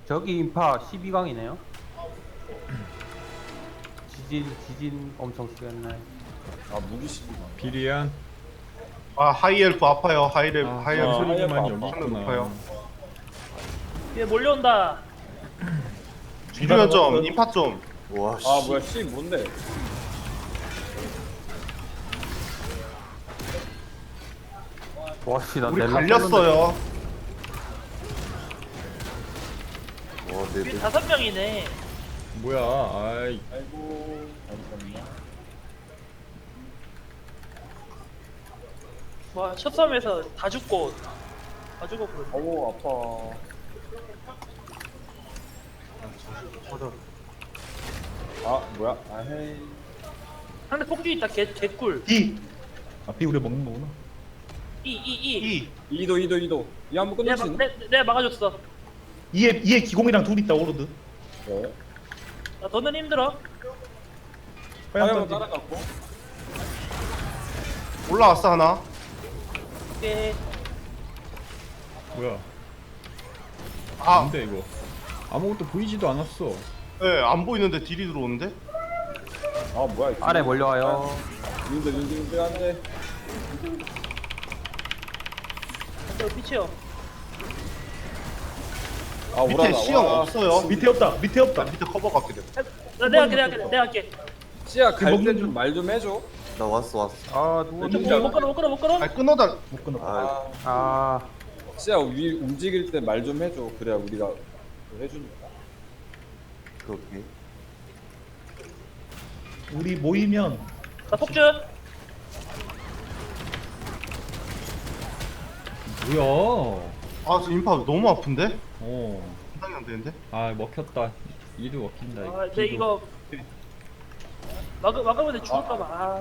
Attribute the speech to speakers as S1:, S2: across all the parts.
S1: 저기 인파 12강이네요. 지진 엄청 쓰겠네.
S2: 아 무기식이다.
S3: 비리안.
S4: 아 하이엘프 아파요. 하이엘프
S3: 아,
S4: 하이엘프
S3: 소리만이
S2: 하이엘프
S3: 여기
S4: 하늘 높아요.
S3: 있구나.
S5: 얘 몰려온다.
S4: 비료연 좀 인파 좀.
S6: 와, 씨.
S2: 아 뭐야 씨 뭔데?
S1: 와씨 나
S4: 우리
S1: 넬라
S4: 갈렸어요.
S6: 와, 내,
S5: 위에 5명이네.
S3: 뭐야? 아이,
S2: 아이고 잠깐만.
S5: 와, 첫 싸움에서 다 죽고 그러네.
S2: 어우 아파. 아 뭐야? 아 헤이.
S5: 상대 폭주 있다. 개꿀.
S7: B. 아, B 우리 먹는 거구나.
S5: 이.
S4: 이
S2: 이도 이 한번 끝낼 수 있나?
S5: 내가 막아줬어.
S7: 이에 기공이랑 둘 있다 오로드.
S2: 네.
S5: 나 더는 힘들어.
S7: 화염
S2: 화염
S7: 던지.
S2: 따라갔고.
S4: 올라왔어 하나.
S5: 오케이.
S3: 뭐야?
S4: 아,
S3: 뭔데 이거? 아무것도 보이지도 않았어.
S4: 예, 안 보이는데 딜이 들어오는데?
S2: 아 뭐야? 이거.
S1: 아래 몰려와요.
S2: 윤들 안돼.
S5: 저 피치요.
S2: 아
S4: 밑에
S2: 오라다.
S4: 시형
S2: 와.
S4: 없어요.
S7: 밑에 없다. 밑에 없다.
S4: 밑에 커버 갖게 돼.
S5: 내가 할게.
S2: 씨야 갈 때 좀 말 좀 해줘.
S6: 나 왔어.
S1: 아 누구지?
S5: 못 끌어.
S4: 아니 끊어달.
S7: 못 끊어.
S6: 아,
S1: 아
S2: 씨야 위 움직일 때 말 좀 해줘. 그래야 우리가 해주니까.
S6: 그렇게.
S7: 우리 모이면
S5: 나 폭주.
S3: 뭐야?
S4: 아, 저 인파 너무 아픈데?
S3: 어.
S4: 상당히 안 되는데?
S3: 아 먹혔다. 이도 먹힌다.
S5: 아, 근데 이거 막으면 죽을까봐. 아.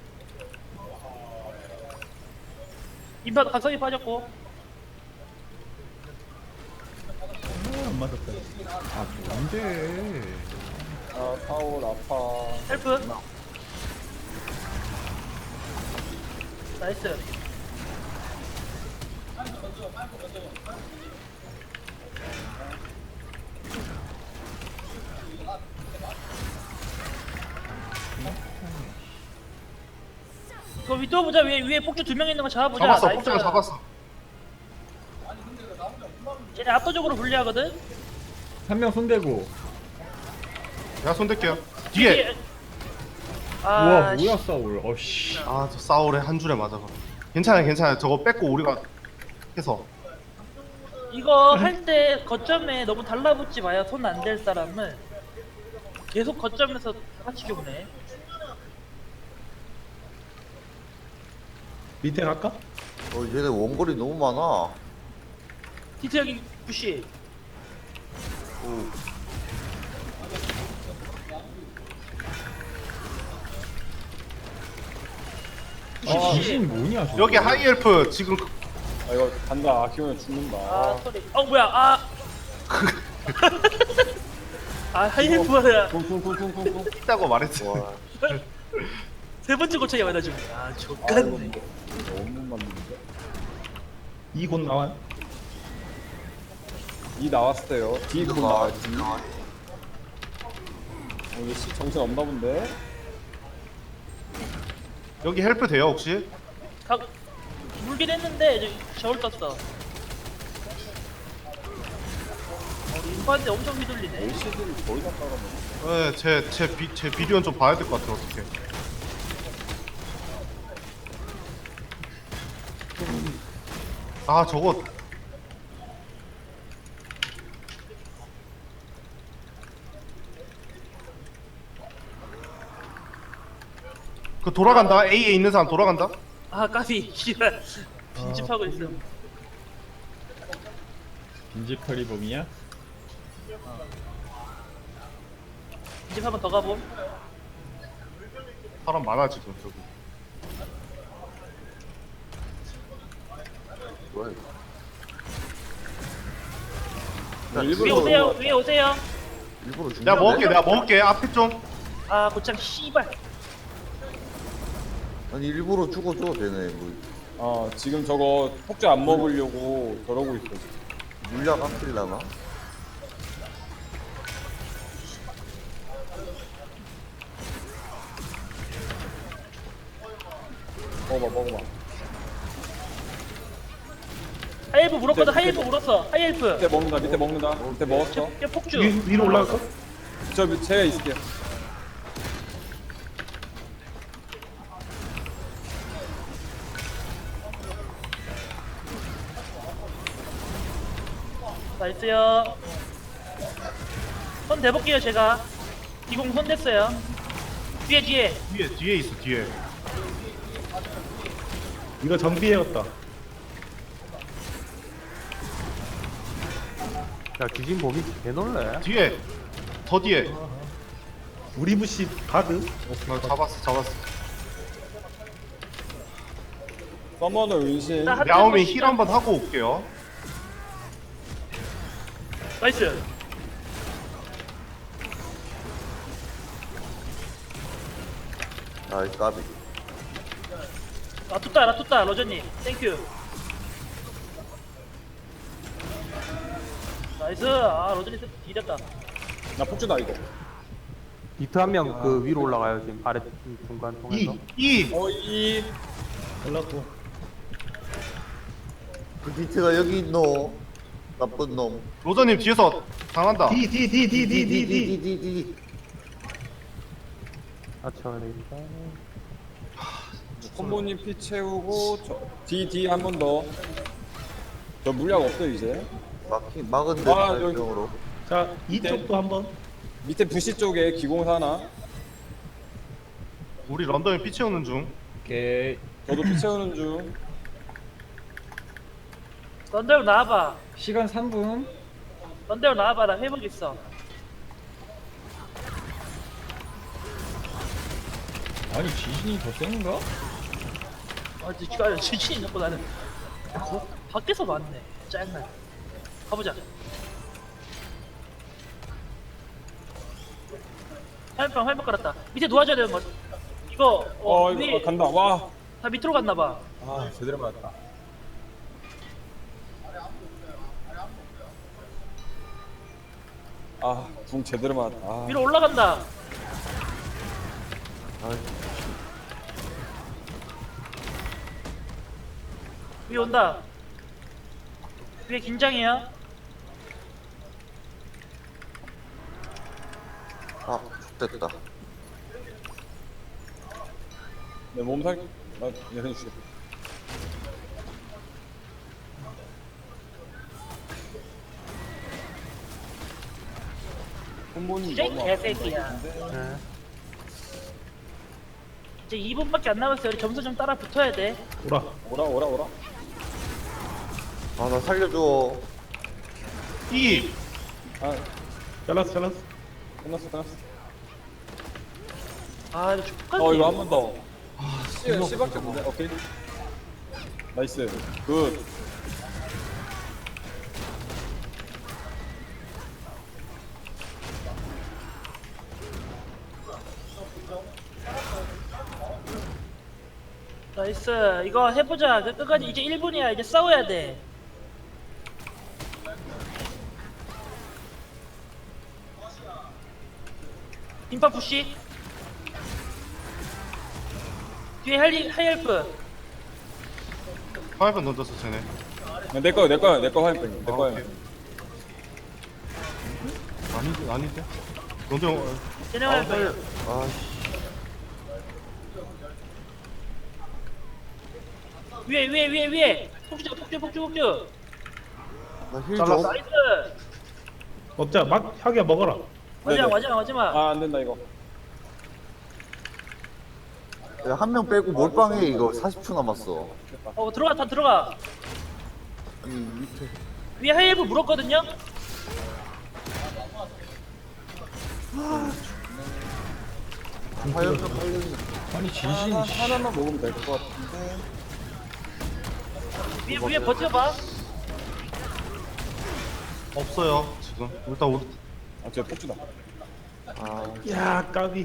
S5: 인파 각성이 빠졌고.
S7: 안 맞았다.
S3: 아 뭔데?
S2: 아 파울 아파.
S5: 헬프. 나이스. 이거 위도 보자. 위에 폭주 2명 있는 거 잡아보자.
S4: 잡았어,
S5: 나이스.
S4: 폭장을 잡았어.
S5: 쟤네 압도적으로 불리하거든.
S3: 한 명 손대고.
S4: 내가 손댈게요. 뒤에.
S3: 우와
S5: 아,
S3: 뭐야 싸울. 어씨.
S4: 아, 저 싸울에 한 줄에 맞아. 괜찮아요. 저거 뺏고 우리가 해서.
S5: 이거 할 때 거점에 너무 달라붙지 마요. 손 안 댈 사람은 계속 거점에서 다 같이 죽네.
S7: 밑에 갈까?
S6: 얘네 원거리 너무 많아.
S5: 디트 여기 부시.
S6: 오,
S3: 아 귀신 뭐냐 저거.
S4: 여기 하이엘프 지금
S2: 아 이거 간다. 아키오면 죽는다.
S5: 아 소리. 뭐야. 아. 아 하이힐프야.
S2: 쿵쿵쿵쿵쿵쿵.
S4: 있다고 말했어.
S6: 와.
S5: 세 번째 고쳐야 맞아 주. 아
S2: 아이고
S5: 족같네.
S2: 너무 맞는데.
S7: 이 곧 나와요.
S2: 이 나왔어요. D 곧 나와. D. 이게 씨 정신 없나 본데.
S4: 여기 헬프 돼요 혹시?
S5: 각 물긴 했는데 저울 떴어. 인파한테 엄청 휘둘리네.
S2: LCD를 거의 다 깔아놓은.
S4: 네, 제 비디오는 좀 봐야 될 것 같아요 어떻게. 아 저거 그 돌아간다. A에 있는 사람 돌아간다.
S5: 아 까비. 씨발. 빈집하고 있어.
S3: 빈집털이 범이야?
S5: 빈집 한번 더 가봄.
S4: 사람 많아 지금 저기.
S6: 뭐야, 이거.
S5: 위에 오세요. 위에 오세요.
S6: 일부러 준
S4: 내가 먹을게. 앞에 좀.
S5: 아 고창 씨발.
S6: 아니, 일부러 죽어줘, 되네. 뭐,
S2: 지금 저거 폭주 안 먹으려고 저러고 있어. 지금.
S6: 물약 안 필라나?
S2: 먹어봐.
S5: 하이엘프 물었거든. 하이엘프 물었어. 하이엘프.
S2: 밑에 먹는다. 밑에 먹었어.
S5: 야, 폭주.
S7: 위로 올라갈까?
S2: 제가 있을게요.
S5: 나이스요. 손 대볼게요 제가. 기공 손 댔어요. 뒤에.
S4: 뒤에 있어 뒤에.
S7: 이거 정비해였다.
S1: 야 지진 봄이 개놀래.
S4: 뒤에 더 뒤에.
S7: 우리 부시 가드.
S4: 잡았어.
S2: 서머너 은신.
S5: 나 한-
S4: 야오미 힐 한번 하고 올게요.
S5: 나이스.
S6: 아이 까비.
S5: 라투따 러저님 땡큐. 나이스. 아 러저님 뒤졌다.
S2: 나 폭주다 이거.
S1: 비트 한 명 그 위로 올라가요 지금 아래 중간 통해서.
S4: 이
S2: 이
S7: 올라고.
S6: 그 비트가 여기 있노. 나쁜 놈.
S4: 로저님 뒤에서 당한다.
S6: 디디디디디디.
S1: 맞춰야 되니까.
S2: 콤보님 피 채우고 D 한 번 더. 저 물약 없어 이제.
S6: 막은데
S2: 아, 여기.
S6: 발병으로.
S7: 자 이쪽도 한번.
S2: 밑에 부시 쪽에 기공사 하나.
S4: 우리 런던에 피 채우는 중.
S3: 오케이.
S2: 저도 피 채우는 중.
S5: 런데로 나와봐.
S3: 시간 3분.
S5: 런데로 나와봐. 나 회복 있어.
S3: 아니 지진이 더 센가?
S5: 아 진짜 지진이 넣고 나는 밖에서 맞네. 짜증나. 가보자. 화염병 깔았다. 밑에 놓아줘야 되는 거. 이거
S2: 이거 간다. 와.
S5: 다 밑으로 갔나봐.
S2: 아 제대로 맞았다. 궁 제대로 맞았다.
S5: 위로 올라간다. 위에 온다. 위에 긴장해요.
S6: 아 됐다.
S2: 내 몸살 나 얘네 주겠다. 콤보님
S5: 쟤
S2: 너무
S5: 개새끼야.
S2: 아픈데.
S1: 네.
S5: 이제 2분밖에 안 남았어요. 우리 점수 좀 따라 붙어야 돼.
S2: 오라.
S6: 아 나 살려줘.
S4: 이
S2: 아
S7: 잘랐어.
S2: 끝났어.
S5: 아 이거 족같네.
S2: 이거 한 번 더. C밖에 없네. 오케이. 나이스. 굿.
S5: 나이스. 이거 해보자. 끝까지 이제 1분이야. 이제 싸워야 돼. 빈파 푸시. 뒤에 하이엘프.
S4: 화염병 던졌어 쟤네.
S2: 내 거야 화염병. 내 거야.
S4: 오케이. 아닌데? 런던
S5: 쟤네 화이엘프.
S6: 아씨.
S5: 위에. 폭주.
S6: 나힐
S4: 잘랐어.
S6: 좀.
S5: 나이스.
S7: 먹자. 막 하게 먹어라.
S5: 마지막.
S2: 안 된다 이거.
S6: 한 명 빼고 몰빵해 이거 40초 남았어.
S5: 다 들어가.
S6: 아니 밑에.
S5: 위에 하이엘프 물었거든요.
S6: 화염병 살려줘.
S3: 아니 지진이
S2: 하나만 먹으면 될 것 같은데.
S5: 위에 버텨봐.
S4: 없어요 지금. 일단 우리
S2: 쟤 폭주다.
S7: 야 까비.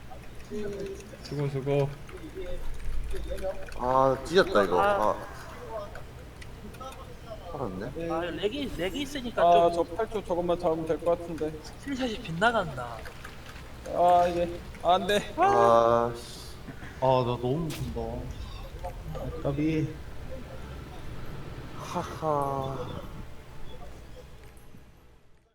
S3: 수고.
S6: 찢었다 이거. 살았네.
S5: 아 렉이 있으니까
S2: 저
S5: 좀
S2: 8초 저것만 잡으면 될 것 같은데.
S5: 스킬샷이 빗나간다.
S2: 이게 안 돼.
S6: 아 씨.
S4: 나 너무 무섭다.
S7: 까비.
S6: 하하.